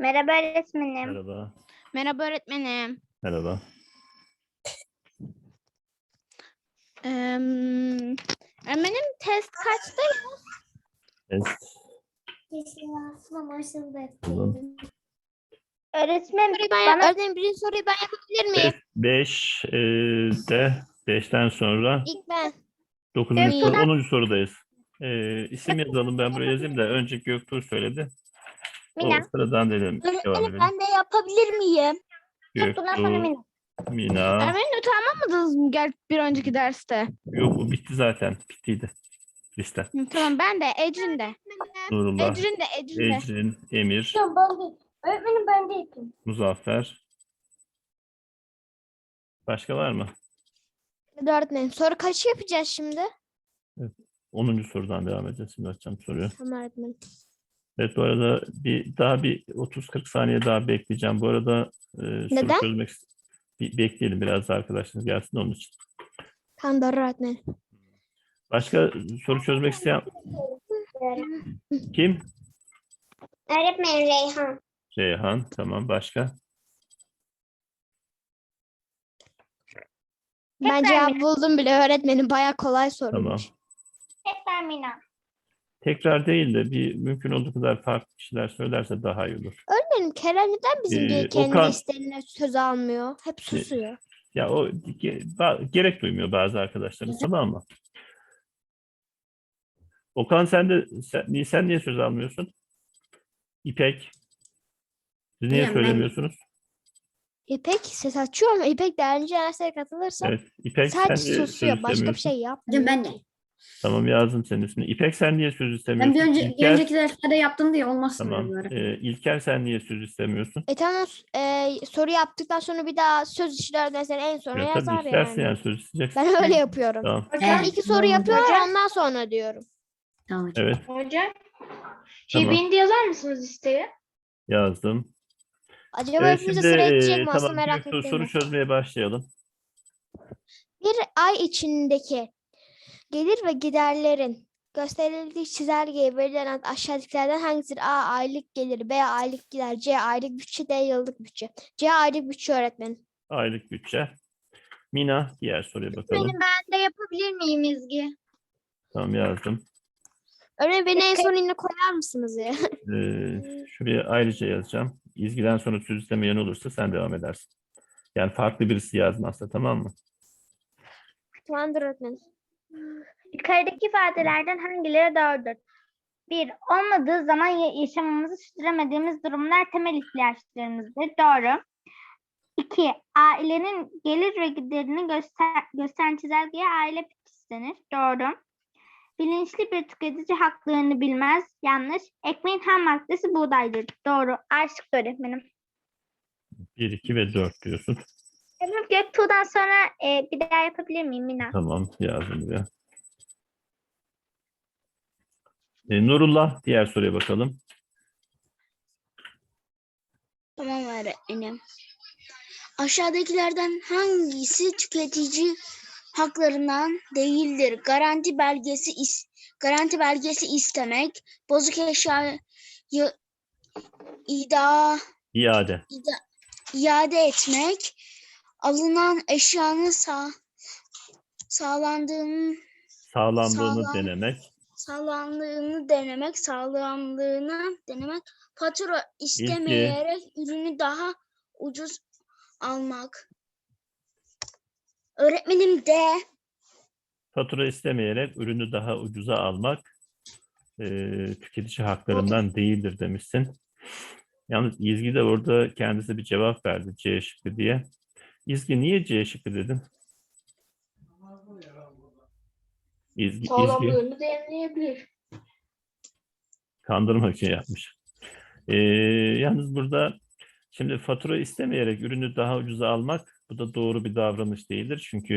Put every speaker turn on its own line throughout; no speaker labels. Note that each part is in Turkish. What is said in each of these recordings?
Merhaba öğretmenim.
Merhaba.
Merhaba öğretmenim.
Merhaba.
Öğretmenim test kaçta?
Test. Buldum.
Öğretmenim
Öğretmenim birinci soruyu ben yapabilir miyim?
5 de 5'ten sonra
İlk ben.
9. soru,
Göktuğ.
10. sorudayız. İsim yazalım, ben buraya yazayım da önce Göktuğ söyledi.
Mina.
O sıradan dedim. Devam
Öğretmenim
edelim.
ben de yapabilir miyim?
Göktuğ'dan sonra Mina.
Mina.
Öğretmenim not almadınız mı bir önceki derste?
Yok, o bitti zaten. Bittiydi liste.
Tamam ben de Ecrin de.
Nurullah,
Ecrin de.
Ecrin, Emir,
Öğretmenim ben de yapayım.
Muzaffer. Başka var mı?
Öğretmenim soru kaçı yapacağız şimdi?
10. sorudan devam edeceğiz. Şimdi açacağım soruyu.
Tamam öğretmenim.
Evet, bu arada bir 30-40 saniye daha bekleyeceğim. Bu arada soru
Neden?
çözmek bekleyelim, biraz da arkadaşlarınız gelsin onun için.
Tamam doğru öğretmenim.
Başka soru çözmek isteyen kim?
Öğretmenim Reyhan.
Reyhan. Tamam, başka?
Ben cevap buldum bile öğretmenim. Bayağı kolay
Tamam.
soruymuş.
Tekrar Mina.
Tekrar değil de bir mümkün olduğu kadar farklı kişiler söylerse daha iyi olur.
Öğretmenim Kerem neden bizim kendi
Okan-
listelerine söz almıyor? Hep susuyor.
Ya o gerek duymuyor bazı arkadaşlarımız, tamam mı? Okan, sen niye söz almıyorsun? İpek. Siz niye
Bilmiyorum, ben-
söylemiyorsunuz?
İpek ses açıyor ama İpek derince derslere katılırsa
Evet. İpek, sen
sadece
niye söz
susuyor. Başka bir
istemiyorsun?
şey yapmıyor.
Ben de.
Tamam, yazdım senin ismini. İpek, sen niye söz
Ben
istemiyorsun?
bir
İlker,
önceki derslerde yaptım diye olmazsın
tamam.
böyle.
İlker, sen niye söz istemiyorsun?
Tamam soru yaptıktan sonra bir daha söz işler mesela en sona
Ya,
yazar
tabii istersen
yani.
yani söz isteyeceksin.
Ben öyle yapıyorum.
Tamam.
Ben iki soru yapıyorum ondan sonra diyorum.
Tamam hocam.
Evet,
Hocam.
Tamam.
Beni de yazar mısınız listeye?
yazdım.
Acaba
Evet,
hepimize
şimdi
sıra edecek mi? Aslında
tamam,
merak
Göktuğ,
ettim.
soru çözmeye başlayalım.
Bir ay içindeki gelir ve giderlerin gösterildiği çizelgeye verilen aşağıdakilerden hangisidir? A. Aylık gelir. B. Aylık gider. C. Aylık bütçe. D. Yıllık bütçe. C. Aylık bütçe öğretmenim.
Aylık bütçe. Mina, diğer soruya bakalım.
Ben de yapabilir miyim İzgi?
Tamam, yazdım.
Öğretmenim beni en son yine koyar mısınız ya?
Şuraya ayrıca yazacağım. İzgiden sonra söz istemeyen olursa sen devam edersin. Yani farklı birisi yazmazsa, tamam mı?
Tamamdır öğretmenim.
Yukarıdaki ifadelerden hangileri doğrudur? 1. Olmadığı zaman yaşamamızı sürdüremediğimiz durumlar temel ihtiyaçlarımızdır. Doğru. 2. Ailenin gelir ve giderini gösteren çizelgeye aile bütçesi denir. Doğru. Bilinçli bir tüketici haklarını bilmez. Yanlış. Ekmeğin ham maddesi buğdaydır. Doğru. Aşık öğretmenim.
1, 2 ve 4 diyorsun.
Tamam, Göktuğ'dan sonra bir daha yapabilir miyim Mina?
Tamam, yazdım buraya. Nurullah, diğer soruya bakalım.
Tamam öğretmenim. Aşağıdakilerden hangisi tüketici haklarından değildir? Garanti belgesi istemek, bozuk eşyayı
İade.
iade etmek, alınan eşyanın sağlandığını denemek, fatura istemeyerek ürünü daha ucuz almak. Öğretmenim de
Fatura istemeyerek ürünü daha ucuza almak tüketici haklarından değildir demişsin. Yalnız İzgi de orada kendisi bir cevap verdi, C şıkkı diye. İzgi, niye C şıkkı dedin? İzgi
Sağlamlığını deneyimleyebilir.
kandırmak için yapmış. Yalnız burada şimdi fatura istemeyerek ürünü daha ucuza almak, bu da doğru bir davranış değildir. Çünkü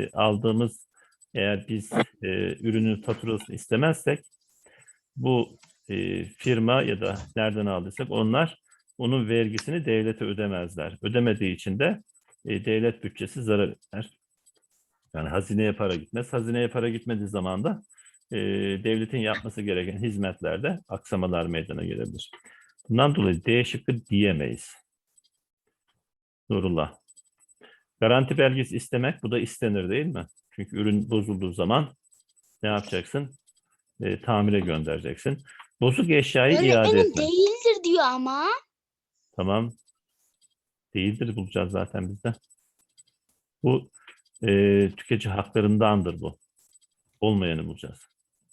eğer biz ürünün faturasını istemezsek, bu firma ya da nereden aldıysak onlar onun vergisini devlete ödemezler. Ödemediği için de devlet bütçesi zarar eder. Yani hazineye para gitmez. Hazineye para gitmediği zaman da devletin yapması gereken hizmetlerde aksamalar meydana gelebilir. Bundan dolayı D şıkkı diyemeyiz. Nurullah. Garanti belgesi istemek, bu da istenir değil mi? Çünkü ürün bozulduğu zaman ne yapacaksın? Tamire göndereceksin. Bozuk eşyayı iade
Öğretmenim
etmek.
değildir diyor ama.
Tamam. Değildir bulacağız zaten bizde. Bu tüketici haklarındandır bu. Olmayanı bulacağız.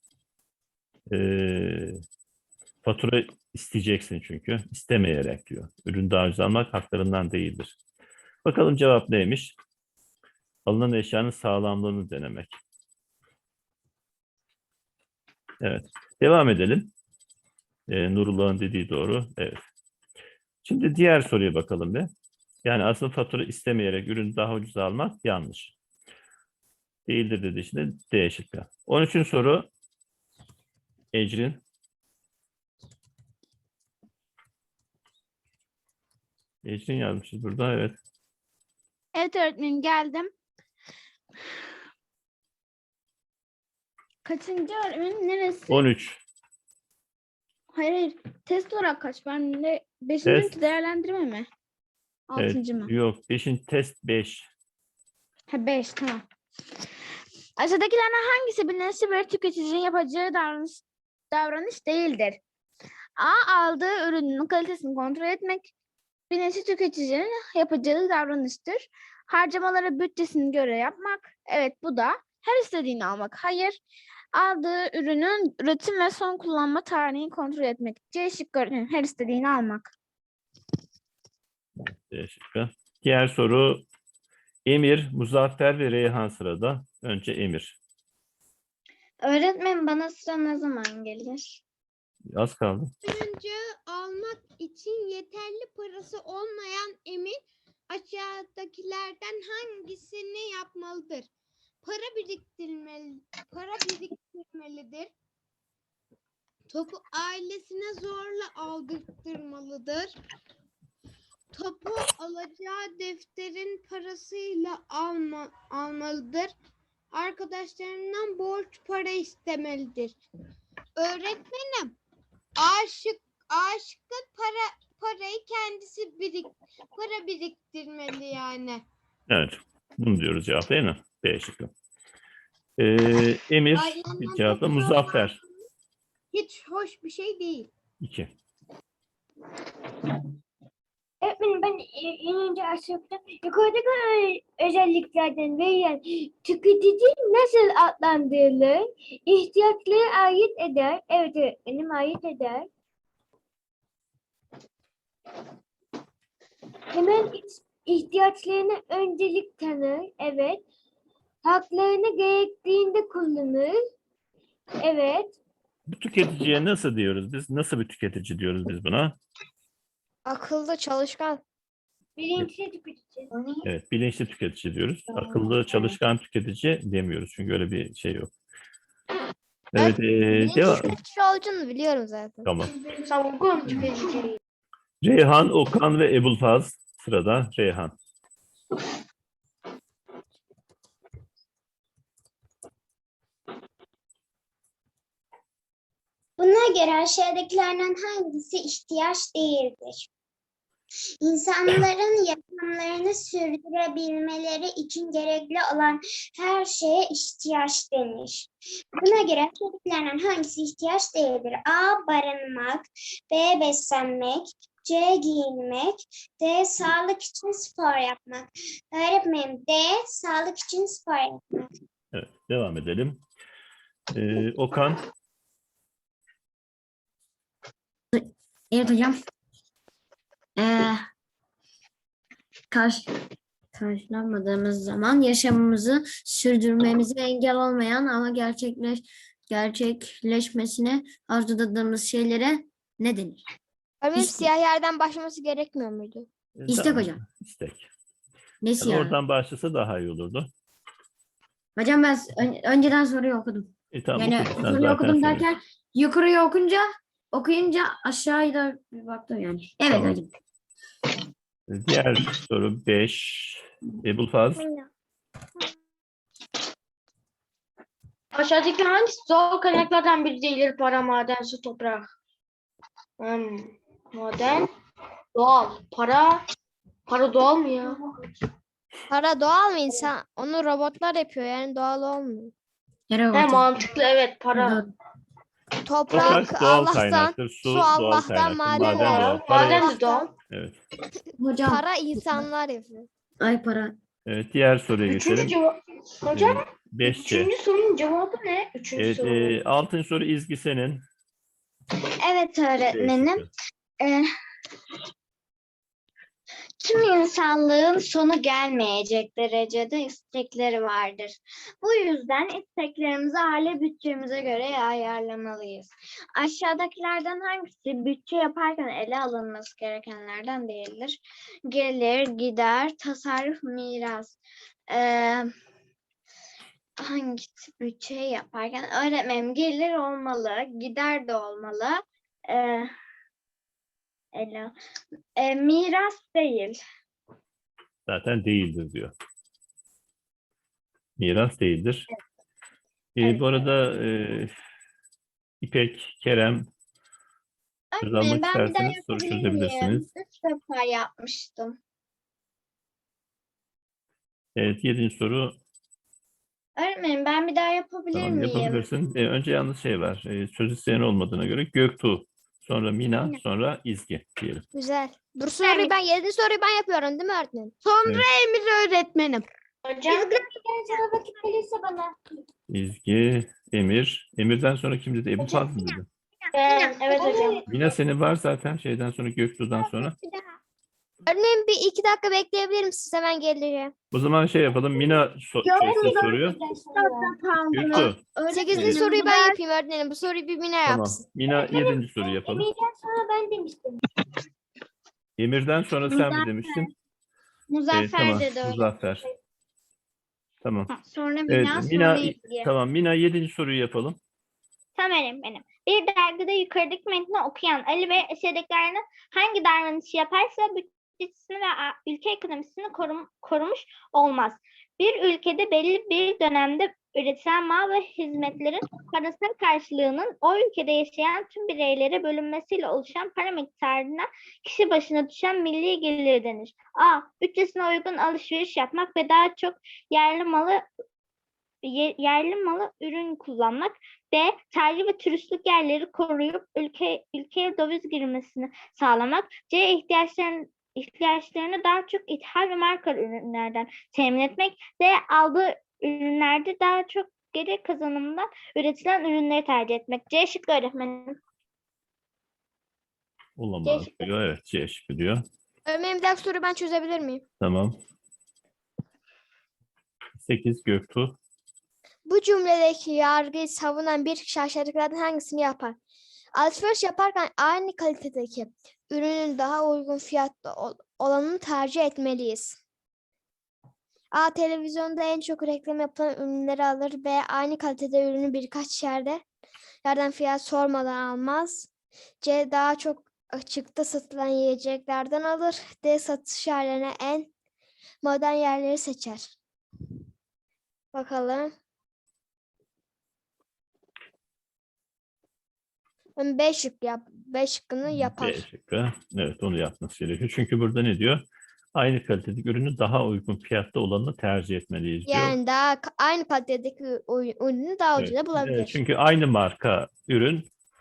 Fatura isteyeceksin çünkü. İstemeyerek diyor. Ürün daha ucuz almak haklarından değildir. Bakalım cevap neymiş? Alınan eşyanın sağlamlığını denemek. Evet. Devam edelim. Nurullah'ın dediği doğru. Evet. Şimdi diğer soruya bakalım bir. Yani aslında fatura istemeyerek ürünü daha ucuz almak yanlış. Değildir dediği için de D şıkkı. 13. soru. Ecrin. Ecrin yazmışız burada. Evet.
Evet öğretmenim geldim. Kaçıncı öğretmenim? Neresi?
13.
Hayır. Test olarak kaç? Ben de 5.
Test.
değerlendirme mi? 6.
Evet.
mı?
Yok. 5. test 5.
Ha 5 tamam. Aşağıdakilerden hangisi bilinçli bir tüketicinin yapacağı davranış değildir? A. Aldığı ürünün kalitesini kontrol etmek bilinçli tüketicinin yapacağı davranıştır. Harcamaları bütçesine göre yapmak. Evet bu da. Her istediğini almak. Hayır. Aldığı ürünün üretim ve son kullanma tarihini kontrol etmek. C şıkkı öğretmenim. Her istediğini almak.
D şıkkı. Diğer soru Emir, Muzaffer ve Reyhan sırada. Önce Emir.
Öğretmenim bana sıra ne zaman gelir?
Az kaldı.
Oyuncağı almak için yeterli parası olmayan Emir aşağıdakilerden hangisini yapmalıdır? Para biriktirmelidir. Topu ailesine zorla aldırtmalıdır. Topu alacağı defterin parasıyla almalıdır. Arkadaşlarından borç para istemelidir. Öğretmenim, aşıkın parayı kendisi para biriktirmeli yani.
Evet. Bunu diyoruz cevap değil mi? B şıkkı. Emir
Ailenden
cevapta
toprağı
Muzaffer.
Hiç hoş bir şey değil.
2.
Öğretmenim ben en önce aşağıda yukarıdaki özelliklerden verilen tüketici nasıl adlandırılır? İhtiyaçlara ait eder. Evet öğretmenim ait eder. Hemen ihtiyaçlarına öncelik tanır. Evet. Haklarını gerektiğinde kullanır. Evet.
Bu tüketiciye nasıl diyoruz biz? Nasıl bir tüketici diyoruz biz buna?
Akıllı, çalışkan.
Bilinçli tüketici.
Evet, bilinçli tüketici diyoruz. Akıllı, çalışkan tüketici demiyoruz. Çünkü öyle bir şey yok. Evet, devam.
Tüketici olduğunu biliyorum zaten.
Tamam.
Savungun tüketici.
Reyhan, Okan ve Ebulfaz sırada. Reyhan.
Buna göre aşağıdakilerden hangisi ihtiyaç değildir? İnsanların yaşamlarını sürdürebilmeleri için gerekli olan her şeye ihtiyaç denir. Buna göre aşağıdakilerden hangisi ihtiyaç değildir? A. Barınmak, B. Beslenmek, C. Giyinmek, D. Sağlık için spor yapmak. Öğretmenim D. Sağlık için spor yapmak.
Evet, devam edelim. Okan.
Evet hocam. Karşılanmadığımız zaman yaşamımızı sürdürmemize engel olmayan ama gerçekleşmesine arzuladığımız şeylere ne denir?
Öğretmenim
İstek.
siyah yerden başlaması gerekmiyor muydu?
İstek
Tamam,
hocam.
İstek.
Nesi
Yani
yani?
oradan başlasa daha iyi olurdu.
Hocam ben önceden soruyu okudum.
Tamam,
Yani
okudun. Sen
soruyu
zaten
okudum
söyle.
derken yukarıya okuyunca aşağıya bir baktım yani. Evet
Tamam.
hocam.
Diğer soru 5. Ebulfaz.
Aşağıdaki hangisi doğal kaynaklardan biri değildir? Para, maden, su, toprak. Maden. Doğal. Para doğal mı ya?
Para doğal mı insan? Onu robotlar yapıyor yani doğal olmuyor.
Yere
He
orta.
mantıklı evet para.
Toprak
Toprak doğal
Allah'tan,
kaynaktır.
su
Su doğal
Allah'tan,
kaynaktır.
maden
Maden doğal. Para
Maden
yok.
de doğal.
Evet.
Hocam.
para insanlar yapıyor.
Ay para.
Evet. Diğer soruya
Üçüncü
geçelim.
cevap. Hocam
5C.
üçüncü sorunun cevabı ne? Üçüncü
Evet.
sorunun.
6. soru İzgi senin.
Evet
D
öğretmenim.
şıkkı.
Tüm insanlığın sonu gelmeyecek derecede istekleri vardır. Bu yüzden isteklerimizi aile bütçemize göre ayarlamalıyız. Aşağıdakilerden hangisi bütçe yaparken ele alınması gerekenlerden değildir? Gelir, gider, tasarruf, miras. Hangisi bütçe yaparken? Öğretmenim gelir olmalı, gider de olmalı. Miras değil.
Zaten değildir diyor. Miras değildir.
Evet.
Bu arada İpek, Kerem söz almak
Öğretmenim ben bir daha
isterseniz soru
yapabilir miyim?
çözebilirsiniz.
3 defa yapmıştım.
Evet. 7. soru.
Öğretmenim ben bir daha yapabilir
Tamam,
miyim?
yapabilirsin. Önce yalnız şey var. Söz isteyen olmadığına göre Göktuğ, sonra Mina,
Mina.
sonra İzgi diyelim.
Güzel. Bu soruyu ben 7. soruyu ben yapıyorum değil mi öğretmenim?
Evet.
Emir öğretmenim.
Hocam sana vakit gelirse bana.
İzgi, Emir. Emir'den sonra kim dedi? Ebu Fazıl dedi.
Evet hocam.
Mina senin var zaten şeyden sonra Göktuğ'dan sonra.
Öğretmenim bir 2 dakika bekleyebilir misiniz? Hemen geleceğim.
O zaman şey yapalım. Mina çözsün soruyu. Göktuğ.
8. soruyu ben yapayım öğretmenim. Bu soruyu bir Mine
Tamam.
yapsın.
Mina 7. soruyu yapalım.
Emir'den sonra ben demiştim.
Emir'den sonra sen mi demiştin?
Muzaffer
Tamam.
dedi öyle.
Muzaffer. Tamam.
Sonra
Evet,
Mina,
Mina,
sonra İzgi.
tamam. Mina 7. soruyu yapalım.
Tamam benim. Bir dergide yukarıdaki metni okuyan Ali ve eserdekilerinin hangi davranışı yaparsa bütçesini ve ülke ekonomisini korumuş olmaz. Bir ülkede belli bir dönemde üretilen mal ve hizmetlerin parasal karşılığının o ülkede yaşayan tüm bireylere bölünmesiyle oluşan para miktarına kişi başına düşen milli gelir denir. A. Bütçesine uygun alışveriş yapmak ve daha çok yerli malı ürün kullanmak. B. Tarihi ve turistik yerleri koruyup ülkeye döviz girmesini sağlamak. C. ihtiyaçlarını daha çok ithal ve marka ürünlerden temin etmek. D. Aldığı ürünlerde daha çok geri kazanımdan üretilen ürünleri tercih etmek. C şıkkı öğretmenim.
Olamaz
C şıkkı.
diyor. Evet, C şıkkı diyor.
Öğretmenim bir dakika soruyu ben çözebilir miyim?
Tamam. 8 Göktuğ.
Bu cümledeki yargıyı savunan bir kişi aşağıdakilerden hangisini yapar? Alışveriş yaparken aynı kalitedeki ürünün daha uygun fiyatlı olanını tercih etmeliyiz. A. Televizyonda en çok reklam yapılan ürünleri alır. B. Aynı kalitede ürünü birkaç yerden fiyat sormadan almaz. C. Daha çok açıkta satılan yiyeceklerden alır. D. Satış yerlerine en modern yerleri seçer. Bakalım. B şıkkını yapar.
B şıkkı. Evet, onu yapması gerekiyor. Çünkü burada ne diyor? Aynı kalitedeki ürünü daha uygun fiyatta olanını tercih etmeliyiz diyor.
Yani aynı kalitedeki ürünü daha ucuza bulabilir.
Çünkü aynı marka ürün,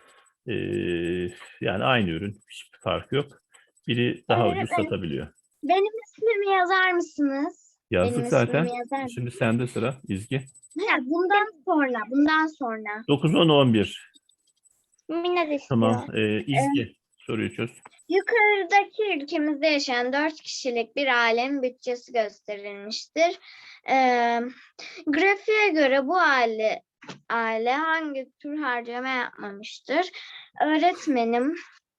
yani aynı ürün, hiçbir farkı yok. Biri daha ucuz satabiliyor.
Benim ismimi yazar mısınız?
Yazdık
Benim
zaten.
ismimi yazar mısınız?
Şimdi sende sıra İzgi.
Ha, bundan sonra.
9, 10, 11.
Mina de istiyor.
Tamam. İzgi soruyu çöz.
Yukarıdaki ülkemizde yaşayan 4 kişilik bir ailenin bütçesi gösterilmiştir. Grafiğe göre bu aile hangi tür harcama yapmamıştır? Öğretmenim,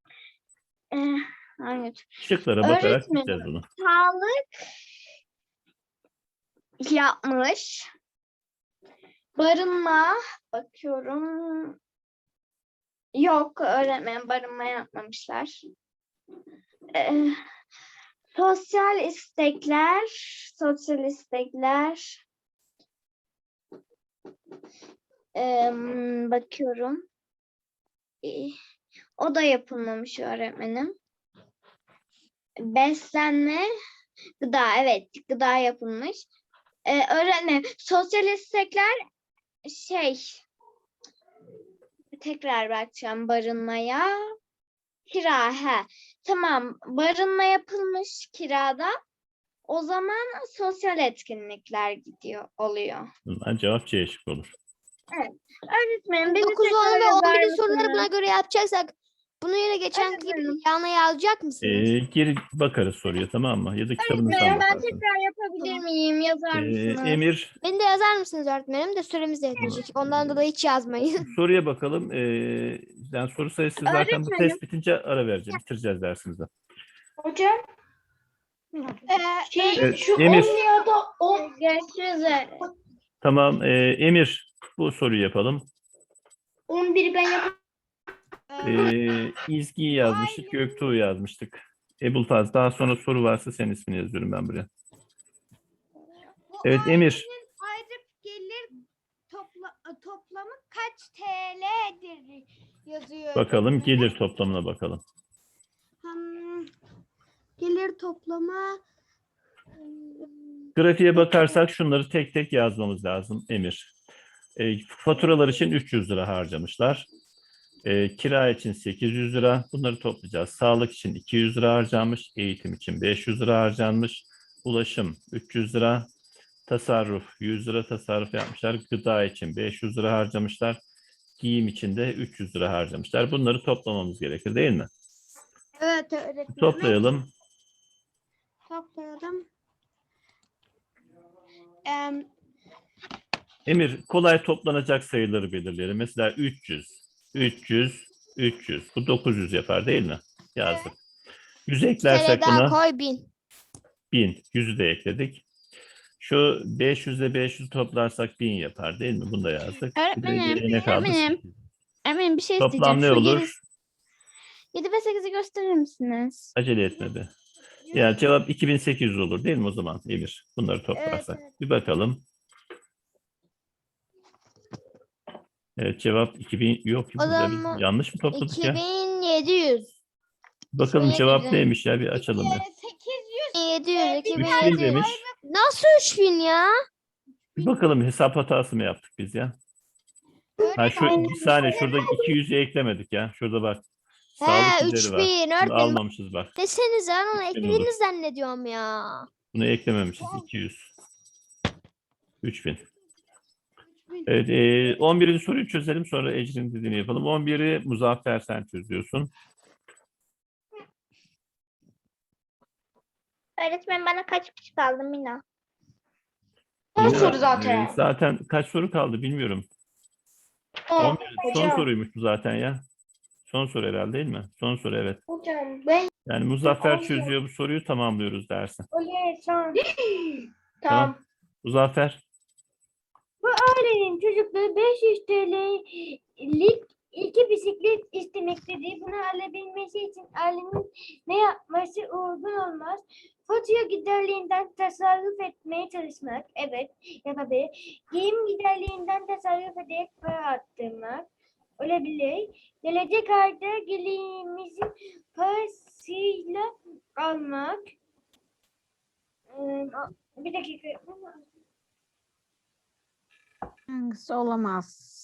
hangi tür?
Şıklara bakarak
Öğretmenim.
gideceğiz bunu.
Sağlık yapmış. Barınma bakıyorum. Yok öğretmenim barınma yapmamışlar. Sosyal istekler. Bakıyorum. O da yapılmamış öğretmenim. Beslenme, gıda, evet, gıda yapılmış. Öğretmenim, sosyal istekler tekrar bakacağım barınmaya. Kira, tamam, barınma yapılmış kirada. O zaman sosyal etkinlikler oluyor.
Bundan cevap C şıkkı olur.
Öğretmenim beni
9, 10
tekrar
ve
yazar
11'in soruları
mısınız?
buna göre yapacaksak bunu yine geçen gibi yanına yazacak mısınız?
Geri bakarız soruya, tamam mı? Ya da kitabınızdan
Öğretmenim ben
bakarsınız.
tekrar yapabilir miyim? Yazar mısınız?
Emir,
Beni de yazar mısınız öğretmenim de süremiz de yetecek. Ondan dolayı hiç yazmayın.
soruya bakalım. Yani soru sayısı zaten bu
Öğretmenim.
test bitince ara vereceğim. Bitireceğiz dersimizi.
Hocam
Evet,
şu
Emir.
10 ya da 10
Görüşürüz.
Tamam. Emir, bu soruyu yapalım.
11'i ben yapayım.
İzgi'yi yazmıştık. Göktuğ'u yazmıştık. Ebulfaz. Daha sonra soru varsa senin ismini yazıyorum ben buraya.
Bu
Evet, Emir.
aylık gelir toplamı kaç TL'dir yazıyor.
Bakalım gelir toplamına bakalım.
Gelir toplamı
Grafiğe bakarsak şunları tek tek yazmamız lazım Emir. Faturalar için 300 lira harcamışlar. Kira için 800 lira. Bunları toplayacağız. Sağlık için 200 lira harcanmış. Eğitim için 500 lira harcanmış. Ulaşım 300 lira. Tasarruf 100 lira tasarruf yapmışlar. Gıda için 500 lira harcamışlar. Giyim için de 300 lira harcamışlar. Bunları toplamamız gerekir değil mi?
evet öğretmenim.
Toplayalım.
Toplayalım.
Emir, kolay toplanacak sayıları belirleyelim. Mesela 300, 300, 300. Bu 900 yapar değil mi? Yazdık. 100
TL
eklersek
daha
buna
koy 1000.
1000. 100'ü de ekledik. Şu 500 ile 500 toplarsak 1000 yapar değil mi? Bunu da yazdık. Bir de geriye ne kaldı?
Öğretmenim bir şey
Toplam ne olur?
7 ve 8'i gösterir misiniz?
Acele etme be. Yani cevap 2800 olur değil mi o zaman Emir? Bunları toplarsak. Bir bakalım. Evet, cevap 2000 yok.
O
Burada biz
zaman
yanlış mı topladık ya?
2700.
Bakalım cevap
2700.
neymiş ya, bir açalım ya.
700,
3000
2700.
demiş.
Nasıl 3000 ya?
Bir bakalım hesap hatası mı yaptık biz ya? Ha, bir saniye, şurada 200'ü eklemedik ya. Şurada bak. Sağlık gideri
3000
var. Bunu
öğretmenim.
almamışız bak.
Desenize ben onu
3000
eklediğini
olur.
zannediyorum ya.
Bunu eklememişiz. 200. 3000. Evet, 11. soruyu çözelim, sonra Ecrin dediğini yapalım. 11'i Muzaffer sen çözüyorsun.
Öğretmen bana kaç kişi kaldı Mina?
Son
Yine,
soru zaten.
zaten kaç soru kaldı bilmiyorum.
10.
11, son soruymuş bu zaten ya. Son soru herhalde değil mi? Son soru, evet.
Hocam ben
Yani Muzaffer
Oldu.
çözüyor bu soruyu, tamamlıyoruz dersi.
Oley son.
tamam.
Muzaffer.
Ailenin çocukları 500 TL'lik iki bisiklet istemektedir. Bunu alabilmesi için ailenin ne yapması uygun olmaz? Fatura giderlerinden tasarruf etmeye çalışmak. Evet, yapabilir. Giyim giderlerinden tasarruf ederek para arttırmak. Olabilir. Gelecek ayda gelirimizin parasıyla almak. Bir dakika.
Hangisi olamaz?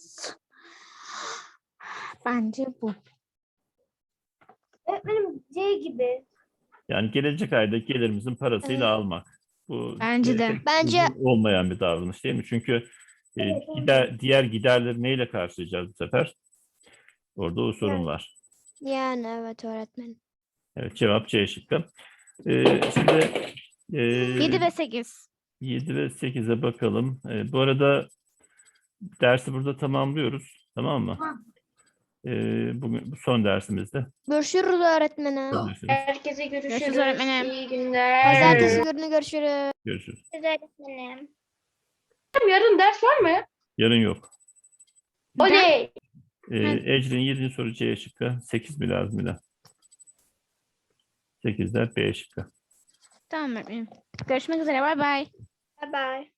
Bence bu.
Öğretmenim C gibi.
Yani gelecek ayda gelirimizin parasıyla
Evet.
almak. Bu
Bence de.
pek
Bence-
uygun olmayan bir davranış değil mi? Çünkü diğer giderleri neyle karşılayacağız bu sefer? Orada o sorun var.
Yani evet öğretmenim.
Evet, cevap C şıkkı. Şimdi
7 ve 8.
7 ve 8'e bakalım. Bu arada dersi burada tamamlıyoruz. Tamam mı? Bugün bu son dersimizde.
Görüşürüz öğretmenim.
Görüşürüz.
Herkese görüşürüz.
Görüşürüz öğretmenim.
İyi günler.
Pazartesi günü görüşürüz.
Görüşürüz.
Öğretmenim.
Yarın ders var mı?
Yarın yok.
Oley.
Ecrin 7. soru C şıkkı. 8 mi lazım bir de? 8'ler B şıkkı.
Tamam öğretmenim. Görüşmek üzere. Bay bay.
Bye bye.